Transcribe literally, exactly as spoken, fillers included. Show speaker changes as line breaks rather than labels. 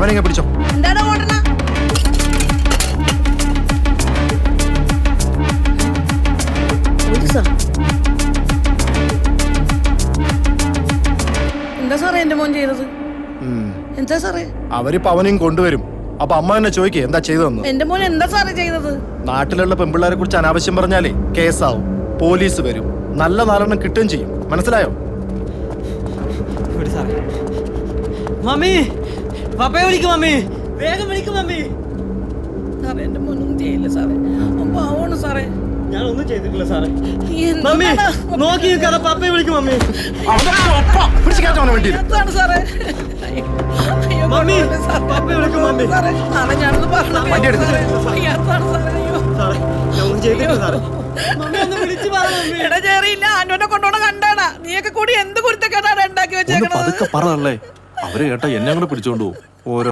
അവനെ പിടിച്ചോ.
എന്താടാ ഓടണ? എന്താ സാറേ എന്റെ മോൻ ചെയ്തത്? എന്താ സാറേ?
അവരിപ്പോ അവനെയും കൊണ്ടുവരും. അപ്പൊ അമ്മ എന്നെ ചോദിക്കേ എന്താ ചെയ്തതെന്ന്.
എന്റെ മോൻ എന്താ സാറേ ചെയ്തത്?
നാട്ടിലുള്ള പെൺപിള്ളേരെ കുറിച്ച് അനാവശ്യം പറഞ്ഞാലേ കേസാവും, പോലീസ് വരും, നല്ല നാലെണ്ണം കിട്ടുകയും ചെയ്യും. മനസ്സിലായോ?
മമ്മി, പപ്പയെ വിളിക്കും മമ്മി, വേഗം വിളിക്കും മമ്മി.
സാറേ എന്റെ മോനൊന്നും ചെയ്യില്ല സാറേ, പാവമാണ് സാറേ.
ഞാൻ ഒന്നും ചെയ്തിട്ടില്ല സാറേ.
എന്താണ്
മമ്മി നോക്കി നിൽക്കാതെ പപ്പയെ വിളിക്കും മമ്മി.
എന്താണ് സാറേ? അയ്യോ,
മമ്മി,
സാറേ.
പപ്പയെ വിളിക്കും മമ്മി.
സാറേ സാറേ ഞാനൊന്ന് പറഞ്ഞു
വണ്ടി എടുക്ക്.
സാറേ. അയ്യോ
സാറേ ഞാൻ ഒന്നും ചെയ്തിട്ടില്ല സാറേ. മമ്മി ഒന്ന് വിളിച്ചു പറ മമ്മി.
എടാ ചേറിയില്ല, അന്നോനെ കൊണ്ടോണ കണ്ടാടാ. നീയൊക്കെ കൂടി എന്ത് കുരുത്തക്കേടാണ് ഉണ്ടാക്കി
ഒന്ന്
വെച്ചേക്കണത്?
പതുക്കെ പറഞ്ഞല്ലേ, അവര് കേട്ട എന്നെ കൂടെ പിടിച്ചോണ്ടു പോകും. ഓരോ